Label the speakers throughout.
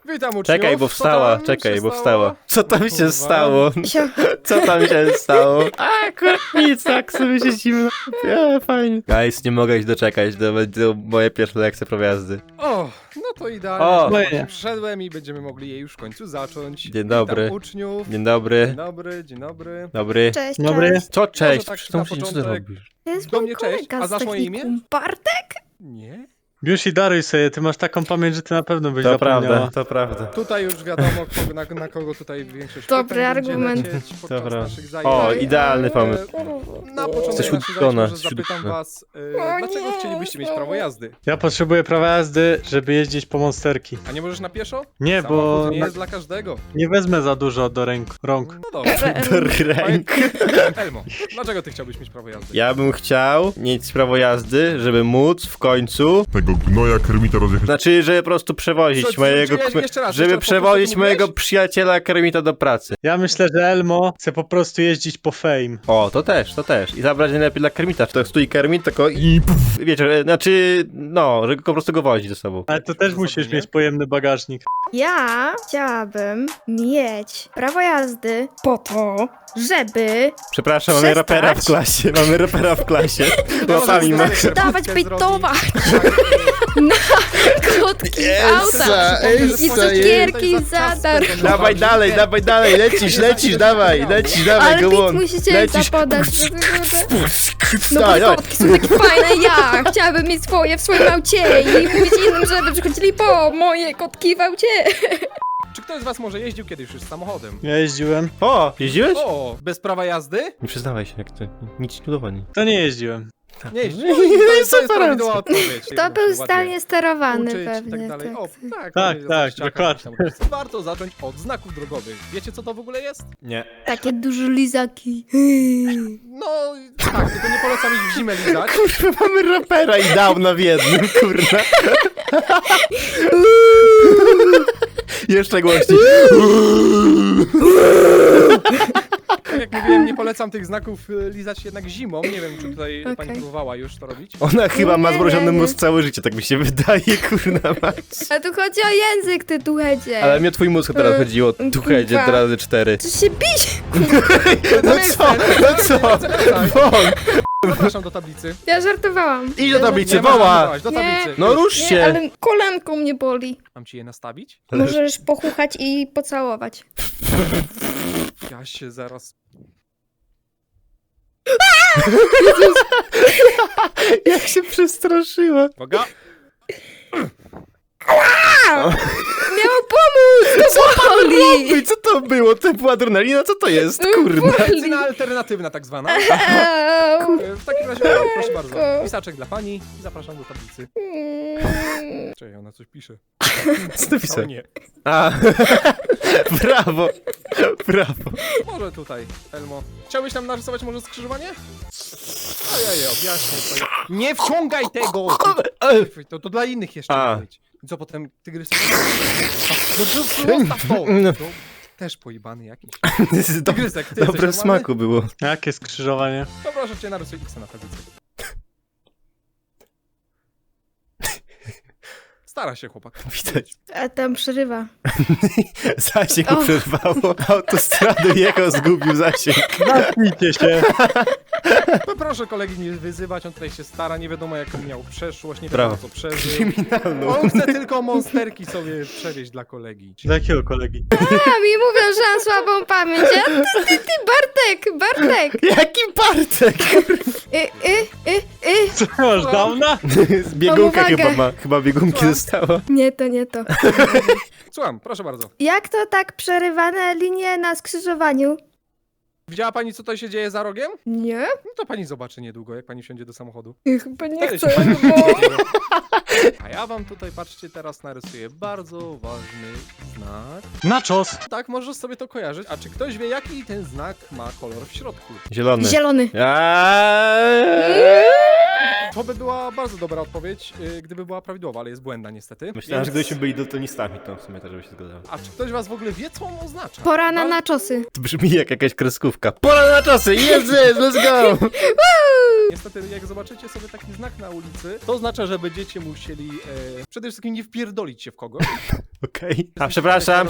Speaker 1: Witam uczniów.
Speaker 2: Czekaj, bo wstała, czekaj, bo wstała. Co tam się stało? Co tam się stało? A, akurat nic, tak sobie siedzimy. Fajnie. Guys, nie mogę się doczekać, to będzie moje pierwsze lekcje prawa jazdy.
Speaker 1: O, no to idealnie.
Speaker 2: O!
Speaker 1: Właśnie przyszedłem i będziemy mogli je już w końcu zacząć.
Speaker 2: Dzień dobry.
Speaker 1: Witam uczniów.
Speaker 2: Dzień dobry.
Speaker 1: Dzień dobry, dzień dobry.
Speaker 2: Dobry.
Speaker 3: Cześć,
Speaker 4: Dobry.
Speaker 3: cześć.
Speaker 2: Co, cześć?
Speaker 1: tak
Speaker 2: Co
Speaker 1: na
Speaker 2: ty
Speaker 1: początek.
Speaker 2: robisz?
Speaker 3: To jest
Speaker 1: Do
Speaker 3: mój
Speaker 1: mnie cześć.
Speaker 3: kolega
Speaker 1: A
Speaker 3: z
Speaker 1: znasz moje imię?
Speaker 3: technikum. Bartek?
Speaker 1: Nie?
Speaker 4: Już i daruj sobie, ty masz taką pamięć, że ty na pewno byś
Speaker 2: To
Speaker 4: zapomniała.
Speaker 2: prawda, to prawda.
Speaker 1: Tutaj już wiadomo, na kogo tutaj większość
Speaker 3: Dobry
Speaker 1: pytań będzie
Speaker 3: argument.
Speaker 1: lecieć podczas
Speaker 2: Dobra.
Speaker 1: naszych zajęć.
Speaker 2: O, idealny pomysł.
Speaker 1: Na początek
Speaker 2: Jesteś
Speaker 1: naszych zajęć
Speaker 2: uczona,
Speaker 1: może
Speaker 2: jesteś
Speaker 1: zapytam
Speaker 2: uczona.
Speaker 1: was, dlaczego chcielibyście mieć prawo jazdy?
Speaker 4: Ja potrzebuję prawa jazdy, żeby jeździć po monsterki.
Speaker 1: A nie możesz na pieszo?
Speaker 4: Nie,
Speaker 1: Samochód
Speaker 4: bo
Speaker 1: nie jest dla każdego.
Speaker 4: nie wezmę za dużo do rąk.
Speaker 1: No dobrze.
Speaker 2: Do ręk.
Speaker 1: Elmo, dlaczego ty chciałbyś mieć prawo jazdy?
Speaker 2: Ja bym chciał mieć prawo jazdy, żeby móc w końcu...
Speaker 5: Tego gnoja Kermita rozjechać.
Speaker 2: Znaczy, żeby po prostu przewozić
Speaker 1: Co,
Speaker 2: mojego...
Speaker 1: jeszcze raz,
Speaker 2: żeby
Speaker 1: jeszcze raz,
Speaker 2: przewozić
Speaker 1: po prostu
Speaker 2: mojego
Speaker 1: mówiłeś?
Speaker 2: przyjaciela Kermita do pracy.
Speaker 4: Ja myślę, że Elmo chce po prostu jeździć po fame.
Speaker 2: O, to też, to też. I zabrać najlepiej dla Kermita. Czy to stoi Kermit, tylko i puf, wiecie, znaczy, no, że po prostu go wozi ze sobą.
Speaker 4: Ale to też
Speaker 1: To
Speaker 4: musisz
Speaker 1: zrobienie?
Speaker 4: mieć pojemny bagażnik.
Speaker 3: Ja chciałabym mieć prawo jazdy po to, żeby
Speaker 2: Przepraszam, mamy
Speaker 3: Przestać.
Speaker 2: rapera w klasie, mamy rapera w klasie. Łapami ma...
Speaker 1: Możesz
Speaker 3: dawać
Speaker 1: zrobić.
Speaker 3: bejtować
Speaker 1: Tak,
Speaker 3: na kotki w autach i cukierki za darmo.
Speaker 2: Dawaj dalej, lecisz, dawaj,
Speaker 3: Ale
Speaker 2: go
Speaker 3: bit
Speaker 2: on.
Speaker 3: musicie
Speaker 2: Lecisz.
Speaker 3: zapodać. No
Speaker 2: Dawaj,
Speaker 3: bo
Speaker 2: dawaj.
Speaker 3: kotki są takie fajne, ja chciałabym mieć swoje w swoim aucie i mówić innym, żeby przychodzili po moje kotki w aucie.
Speaker 1: Czy ktoś z was może jeździł kiedyś już samochodem?
Speaker 4: Ja jeździłem.
Speaker 2: O, jeździłeś?
Speaker 1: O, bez prawa jazdy?
Speaker 2: Nie przyznawaj się, jak to nic ci nie udowodni.
Speaker 4: To nie jeździłem.
Speaker 1: Nie jeździł.
Speaker 2: No
Speaker 1: To jest
Speaker 2: super
Speaker 1: prawidłowa
Speaker 2: racja.
Speaker 1: odpowiedź.
Speaker 3: To był
Speaker 1: Ładnie.
Speaker 3: zdalnie sterowany
Speaker 1: Uczyć i
Speaker 3: pewnie.
Speaker 1: tak dalej.
Speaker 3: Tak.
Speaker 1: O,
Speaker 4: Tak,
Speaker 1: ładnie,
Speaker 4: tak,
Speaker 1: ściaka,
Speaker 4: dokładnie.
Speaker 1: jakiś tam. Warto zacząć od znaków drogowych. Wiecie, co to w ogóle jest?
Speaker 2: Nie.
Speaker 3: Takie duże lizaki.
Speaker 1: No, tak, tylko nie polecam ich w zimę lizać.
Speaker 2: Kurwa, mamy rapera i downa w jednym, kurwa. Jeszcze głośniej.
Speaker 1: Tak jak mówiłem, nie polecam tych znaków lizać jednak zimą. Nie wiem, czy tutaj
Speaker 3: Okej.
Speaker 1: pani próbowała już to robić.
Speaker 2: Ona chyba ma
Speaker 3: Nie,
Speaker 2: zmrożony
Speaker 3: nie.
Speaker 2: mózg całe życie, tak mi się wydaje, kurna mać.
Speaker 3: A tu chodzi o język, ty tuchedzie.
Speaker 2: Ale mnie twój mózg teraz chodziło, tu hedzie,
Speaker 3: kurwa.
Speaker 2: razy 4.
Speaker 3: Czy się bić?
Speaker 2: No co? Won!
Speaker 1: Zapraszam do tablicy.
Speaker 3: Ja żartowałam.
Speaker 2: Idź do tablicy,
Speaker 1: Nie, można
Speaker 2: woła!
Speaker 1: zapraszać, do tablicy.
Speaker 2: No rusz
Speaker 3: Nie,
Speaker 2: się!
Speaker 3: ale kolanką mnie boli.
Speaker 1: Mam ci je nastawić?
Speaker 3: Możesz pochuchać i pocałować.
Speaker 1: Ja się zaraz...
Speaker 2: Jak się przestraszyła.
Speaker 1: Uwaga!
Speaker 3: Miał pomóc! To boli!
Speaker 2: I co to było? To była adrenalina? Co to jest? Kurna.
Speaker 3: Boli.
Speaker 1: Medycyna alternatywna tak zwana.
Speaker 3: Au.
Speaker 1: W takim razie, proszę bardzo. Pisaczek dla pani. Zapraszam do tablicy. Czekaj, ona coś pisze.
Speaker 2: Co to
Speaker 1: O
Speaker 2: pisał?
Speaker 1: nie.
Speaker 2: A, brawo, brawo.
Speaker 1: Może tutaj, Elmo. Chciałbyś nam narysować może skrzyżowanie? Ojej, objaśnię to. Nie wciągaj tego! To dla innych jeszcze
Speaker 2: A.
Speaker 1: ma być. I co potem tygrys... No zostaw to!
Speaker 2: No.
Speaker 1: To też pojebany jakiś.
Speaker 2: Tygrysek,
Speaker 1: Tygrysek, ty jesteś
Speaker 2: dobre
Speaker 1: normalny?
Speaker 2: smaku było.
Speaker 4: Jakie skrzyżowanie?
Speaker 1: To proszę cię, narysuj X na tablicy. Stara się chłopak.
Speaker 2: Widać.
Speaker 3: A tam przerywa.
Speaker 2: Zasięg
Speaker 3: O.
Speaker 2: przerwało. Autostrady jechał, zgubił zasięg.
Speaker 4: Zamknijcie się.
Speaker 1: No proszę kolegi nie wyzywać, on tutaj się stara, nie wiadomo jaką miał przeszłość, nie wiadomo
Speaker 2: Brawo.
Speaker 1: co przeżył.
Speaker 2: Kryminalną.
Speaker 1: On chce tylko monsterki sobie przewieźć dla kolegi.
Speaker 4: Do jakiego kolegi?
Speaker 3: A mi mówią, że mam słabą pamięć. A ty, Bartek!
Speaker 2: Jaki Bartek?
Speaker 4: Co masz, downa?
Speaker 2: Z biegunka
Speaker 3: Mam uwagę.
Speaker 2: chyba ma. Chyba biegunki
Speaker 1: Słucham?
Speaker 2: zostało.
Speaker 3: Nie to.
Speaker 1: Słucham, proszę bardzo.
Speaker 3: Jak to tak przerywane linie na skrzyżowaniu?
Speaker 1: Widziała pani co tutaj się dzieje za rogiem?
Speaker 3: Nie?
Speaker 1: No to pani zobaczy niedługo, jak pani wsiądzie do samochodu.
Speaker 3: Chyba nie
Speaker 1: Wtedy
Speaker 3: chcę,
Speaker 1: się pani
Speaker 3: bo...
Speaker 1: dowie. A ja wam tutaj, patrzcie, teraz narysuję bardzo ważny znak.
Speaker 4: Nachos.
Speaker 1: Tak, możesz sobie to kojarzyć. A czy ktoś wie, jaki ten znak ma kolor w środku?
Speaker 2: Zielony.
Speaker 3: Zielony.
Speaker 1: To by była bardzo dobra odpowiedź, gdyby była prawidłowa, ale jest błędna niestety.
Speaker 2: Myślałem, że
Speaker 1: Więc-
Speaker 2: gdybyśmy byli daltonistami, to w sumie też by się zgadzało.
Speaker 1: A czy ktoś was w ogóle wie, co on oznacza?
Speaker 3: Pora na
Speaker 1: No,
Speaker 3: naczosy.
Speaker 2: To brzmi jak jakaś kreskówka. Pora na czasy! Jest, let's go!
Speaker 3: Woo!
Speaker 1: Niestety, jak zobaczycie sobie taki znak na ulicy, to oznacza, że będziecie musieli przede wszystkim nie wpierdolić się w kogoś.
Speaker 2: Okej. A przepraszam.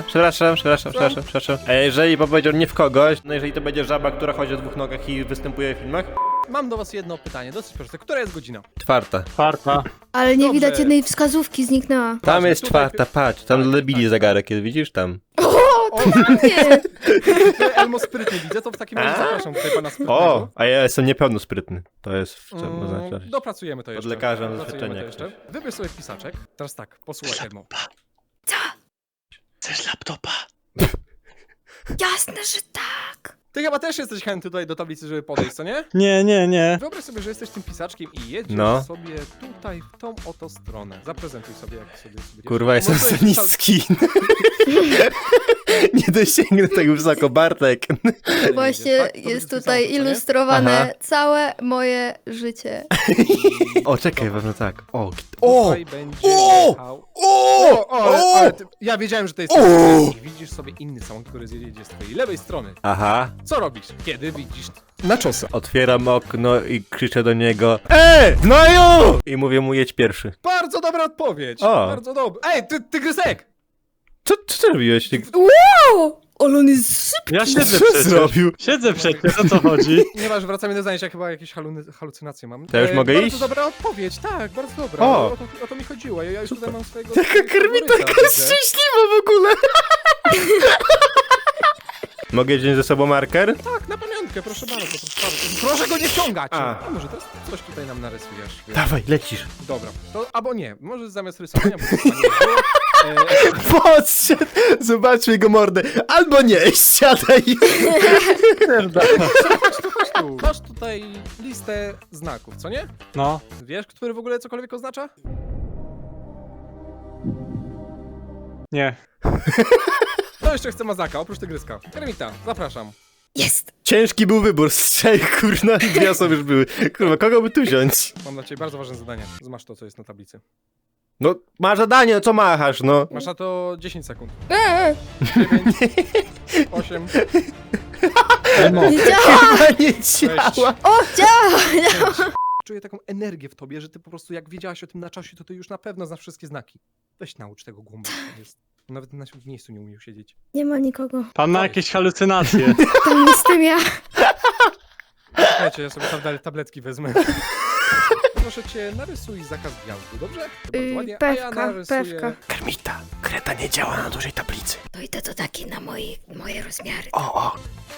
Speaker 2: A jeżeli powiedział nie w kogoś, no jeżeli to będzie żaba, która chodzi o dwóch nogach i występuje w filmach?
Speaker 1: Mam do was jedno pytanie, dosyć proste. Która jest godzina?
Speaker 2: 4.
Speaker 4: Czwarta.
Speaker 3: Ale nie
Speaker 1: Dobrze.
Speaker 3: widać jednej wskazówki, zniknęła.
Speaker 2: Tam jest
Speaker 1: tutaj-
Speaker 2: 4, patrz, tam debili zegarek jest, widzisz tam?
Speaker 3: O, to na mnie!
Speaker 1: Elmo sprytnie widzę, to w takim razie zapraszam tutaj pana sprytnego.
Speaker 2: O, a ja jestem niepełnosprytny. To jest w czym oznacza?
Speaker 1: Dopracujemy to
Speaker 2: Od
Speaker 1: jeszcze.
Speaker 2: lekarza
Speaker 1: Dopracujemy
Speaker 2: doświadczenia
Speaker 1: to jeszcze. Wybierz sobie pisaczek. Teraz tak, posłuchaj Elmo.
Speaker 4: Chcesz laptopa?
Speaker 3: Jasne, że tak.
Speaker 1: Ty chyba też jesteś chętny tutaj do tablicy, żeby podejść, co nie?
Speaker 4: Nie.
Speaker 1: Wyobraź sobie, że jesteś tym pisaczkiem i jedziesz
Speaker 2: No.
Speaker 1: sobie tutaj w tą oto stronę. Zaprezentuj sobie, jak sobie będziesz.
Speaker 2: Kurwa, jestem
Speaker 1: Może
Speaker 2: za
Speaker 1: sobie
Speaker 2: niski. Nie dosięgnę tak wysoko, Bartek.
Speaker 3: Właśnie
Speaker 1: Tak? To
Speaker 3: jest
Speaker 1: będzie
Speaker 3: tutaj
Speaker 1: pisane, co nie?
Speaker 3: ilustrowane
Speaker 2: Aha.
Speaker 3: całe moje życie.
Speaker 2: O, czekaj, pewno tak. O,
Speaker 1: Tutaj będzie jechał... Ja wiedziałem, że to jest i widzisz sobie inny samochód, który zjedzie z twojej lewej strony.
Speaker 2: Aha.
Speaker 1: Co robisz, kiedy widzisz nachos'a?
Speaker 2: Otwieram okno i krzyczę do niego: gnoju! I mówię mu, jedź pierwszy.
Speaker 1: Bardzo dobra odpowiedź.
Speaker 2: O.
Speaker 1: Bardzo dobra. Ej, tygrysek!
Speaker 2: Co ty robiłeś?
Speaker 3: Wow! Ale on jest szybki.
Speaker 4: Ja siedzę
Speaker 2: Co
Speaker 4: przecież.
Speaker 2: zrobił?
Speaker 4: Siedzę przecież, o co chodzi?
Speaker 1: Nieważne, wracamy do zajęcia, chyba jakieś halucynacje mam.
Speaker 2: To już mogę
Speaker 1: bardzo
Speaker 2: iść?
Speaker 1: Bardzo dobra odpowiedź, tak, bardzo dobra.
Speaker 2: O.
Speaker 1: O to mi chodziło. Ja już tutaj mam swojego...
Speaker 2: Taka Kermita
Speaker 1: faworyta,
Speaker 2: jest
Speaker 1: widzę.
Speaker 2: szczęśliwa w ogóle. Mogę wziąć ze sobą marker?
Speaker 1: Tak, na pamiątkę, proszę bardzo, proszę bardzo. Proszę go nie wciągać!
Speaker 2: A.
Speaker 1: A może teraz coś tutaj nam narysujesz?
Speaker 2: Dawaj, lecisz.
Speaker 1: Dobra, to albo nie, może zamiast rysowania, bo to chyba nie było.
Speaker 2: Podszedł, zobaczmy jego mordę. Albo nie, siadaj.
Speaker 1: Chodź tu. Masz tutaj listę znaków, co nie?
Speaker 4: No.
Speaker 1: Wiesz, który w ogóle cokolwiek oznacza?
Speaker 4: Nie.
Speaker 1: To jeszcze chce mazaka, oprócz tygryska. Kermita, zapraszam.
Speaker 3: Jest.
Speaker 2: Ciężki był wybór, strzej, kurna, dwie osoby już były. Kurwa, kogo by tu wziąć?
Speaker 1: Mam dla ciebie bardzo ważne zadanie. Zmasz to, co jest na tablicy.
Speaker 2: No, masz zadanie, no co machasz, no?
Speaker 1: Masz na to 10 sekund. 8.
Speaker 3: Nie działa!
Speaker 2: Chyba nie działa.
Speaker 3: O, działa!
Speaker 1: Czuję taką energię w tobie, że ty po prostu jak wiedziałaś o tym na czasie, to ty już na pewno znasz wszystkie znaki. Weź naucz tego głąba. Nawet na miejscu nie umiał siedzieć.
Speaker 3: Nie ma nikogo.
Speaker 4: Pan ma jakieś halucynacje.
Speaker 3: To jestem ja.
Speaker 1: Czekajcie, ja sobie tabletki wezmę. Proszę cię, narysuj zakaz wjazdu, dobrze? To bardzo ładnie. A ja
Speaker 3: Pewka,
Speaker 1: narysuję...
Speaker 3: pewka.
Speaker 2: Kermita, kreta nie działa na dużej tablicy.
Speaker 3: No i to takie na moje rozmiary.
Speaker 2: O.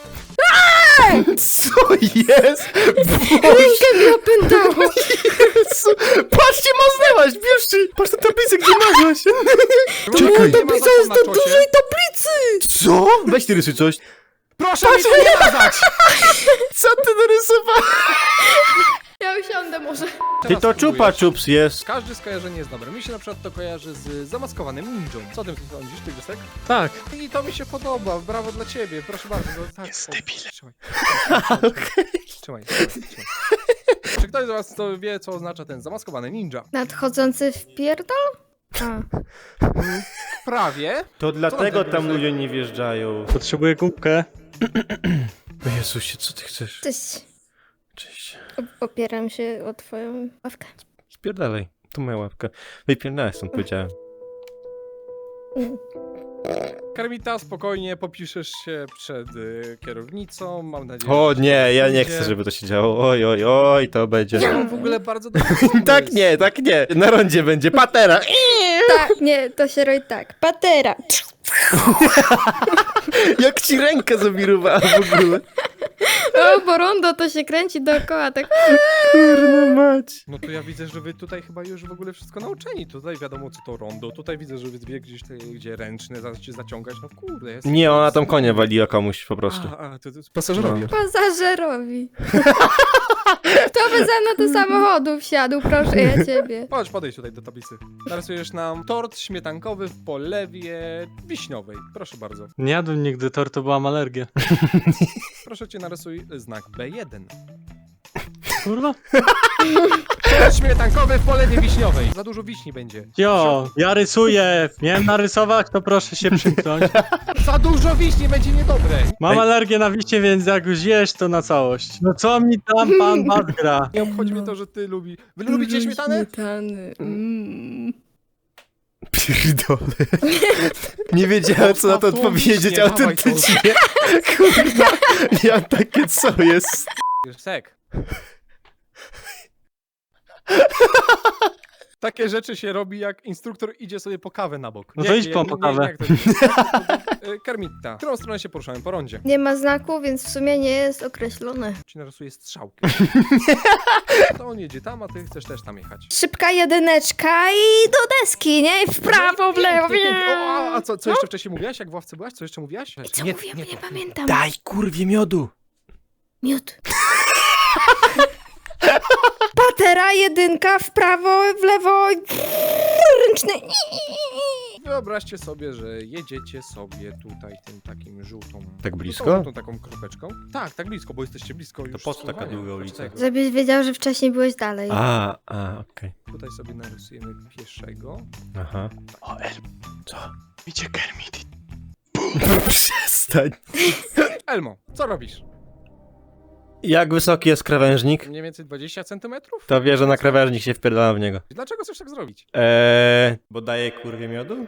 Speaker 2: Co jest?
Speaker 3: Rękę mi opętało.
Speaker 2: Jezu, patrzcie, maznęłaś, bierzcie. Patrz na tablicę, gdzie mazłaś.
Speaker 1: Czekaj.
Speaker 3: Tablica jest na dużej tablicy.
Speaker 2: Co? Weź ty rysuj coś.
Speaker 1: Proszę mi to nie mazać!
Speaker 2: Co ty narysowałeś?
Speaker 3: Ja usiądę może.
Speaker 2: Ty
Speaker 1: Teraz
Speaker 2: to
Speaker 1: spróbujesz.
Speaker 2: czupa czups jest.
Speaker 1: Każde skojarzenie jest dobre. Mi się na przykład to kojarzy z zamaskowanym ninją. Co ty sądzisz, tygrysek?
Speaker 4: Tak.
Speaker 1: I to mi się podoba. Brawo dla ciebie. Proszę bardzo. No, tak,
Speaker 4: Jest
Speaker 1: o,
Speaker 4: debilem.
Speaker 1: Trzymaj. Czy ktoś z was to wie, co oznacza ten zamaskowany ninja?
Speaker 3: Nadchodzący wpierdol? A.
Speaker 1: Prawie.
Speaker 2: To dlatego
Speaker 1: ty
Speaker 2: tam
Speaker 1: rysuj?
Speaker 2: ludzie nie wjeżdżają.
Speaker 4: Potrzebuję kubkę.
Speaker 2: O Jezusie, co ty chcesz?
Speaker 3: Cześć.
Speaker 2: Cześć.
Speaker 3: Opieram się o twoją ławkę.
Speaker 2: Spierdalaj. Tu moja łapka. Wypierdalaj stąd, powiedziałem.
Speaker 1: Kermita, spokojnie popiszesz się przed kierownicą. Mam nadzieję,
Speaker 2: O
Speaker 1: że
Speaker 2: nie, ja nie
Speaker 1: będzie.
Speaker 2: chcę, żeby to się działo. Oj, to będzie.
Speaker 1: Ja mam w ogóle bardzo dobry pomysł.
Speaker 2: Tak nie. Na rondzie będzie patera.
Speaker 3: Tak, nie, to się roi tak. Patera.
Speaker 2: Jak ci rękę zawirowała w ogóle.
Speaker 3: O, bo rondo to się kręci dookoła, tak.
Speaker 2: Kurna mać.
Speaker 1: No to ja widzę, że wy tutaj chyba już w ogóle wszystko nauczeni. Tutaj wiadomo, co to rondo. Tutaj widzę, że wy wie gdzieś gdzie ręczne się zaciągać. No kurde. Jest...
Speaker 2: Nie, ona tam konia waliła komuś po prostu.
Speaker 1: To jest pasażerowie.
Speaker 3: Pasażerowi. Kto by ze mną do samochodu wsiadł, proszę ja ciebie.
Speaker 1: Chodź, podejdź tutaj do tablicy. Narysujesz nam tort śmietankowy w polewie wiśniowej. Proszę bardzo.
Speaker 4: Nie jadłem nigdy tortu, bo mam alergię.
Speaker 1: Proszę cię, narysuj znak B1.
Speaker 4: Kurwa?
Speaker 1: Przejazd śmietankowy w polewie wiśniowej. Za dużo wiśni będzie.
Speaker 4: Jo, ja rysuję. Miałem narysować, to proszę się przymknąć.
Speaker 1: Za dużo wiśni będzie niedobre.
Speaker 4: Mam alergię na wiśnie, więc jak już jesz, to na całość. No co mi tam pan Bat gra?
Speaker 1: Nie obchodzi mnie to, że ty lubi. Wy lubicie śmietanę?
Speaker 3: Śmietany.
Speaker 2: Pierdolę. Nie wiedziałem, co na to
Speaker 1: Zostaw tą
Speaker 2: odpowiedzieć
Speaker 1: wiśnię, dawaj
Speaker 2: autentycznie. Kurwa, ja mam takie co jest.
Speaker 1: Sek. Takie rzeczy się robi, jak instruktor idzie sobie po kawę na bok.
Speaker 4: No to idź po kawę.
Speaker 1: Jak to jest? Kermita. W którą stronę się poruszamy? Po rondzie.
Speaker 3: Nie ma znaku, więc w sumie nie jest określone.
Speaker 1: Ci narysuje strzałkę. To on jedzie tam, a ty chcesz też tam jechać.
Speaker 3: Szybka jedyneczka i do deski, nie? W prawo, w lewo,
Speaker 1: Pięknie, pięknie. O, a co jeszcze wcześniej mówiłaś? Jak w ławce byłaś? Co jeszcze mówiłaś?
Speaker 3: Co mówię, bo nie pamiętam.
Speaker 2: Daj kurwie miodu.
Speaker 3: Miód. Patera, jedynka, w prawo, w lewo, ręczny.
Speaker 1: Wyobraźcie sobie, że jedziecie sobie tutaj tym takim żółtą...
Speaker 2: Tak blisko?
Speaker 1: Żółtą taką kropeczką. Tak, tak blisko, bo jesteście blisko już.
Speaker 2: po co taka
Speaker 1: Słowania.
Speaker 2: długa
Speaker 1: Patrz
Speaker 2: ulica?
Speaker 1: tego.
Speaker 3: Żebyś wiedział, że wcześniej byłeś dalej.
Speaker 2: Okej.
Speaker 1: Tutaj sobie narysujemy pieszego.
Speaker 2: Aha.
Speaker 4: O,
Speaker 2: Co?
Speaker 4: idzie Kermit.
Speaker 2: Przestań.
Speaker 1: Elmo, co robisz?
Speaker 2: Jak wysoki jest krawężnik?
Speaker 1: Mniej więcej 20 centymetrów?
Speaker 2: To wie, że na krawężnik się wpierdalam w niego.
Speaker 1: Dlaczego chcesz tak zrobić?
Speaker 2: Bo daje kurwie miodu?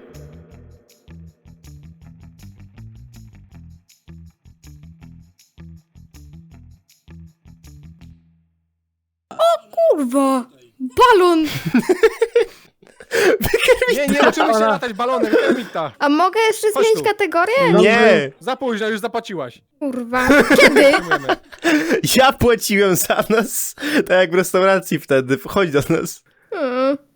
Speaker 3: Kurwa! Balon!
Speaker 1: Nie uczymy się latać balonem, Kermita.
Speaker 3: A mogę jeszcze
Speaker 1: Chodź
Speaker 3: zmienić
Speaker 1: tu.
Speaker 3: kategorię?
Speaker 2: Nie!
Speaker 1: Za późno, już zapłaciłaś.
Speaker 3: Kurwa. Kiedy?
Speaker 1: Dziękujemy.
Speaker 2: Ja płaciłem za nas, tak jak w restauracji wtedy. Chodź do nas.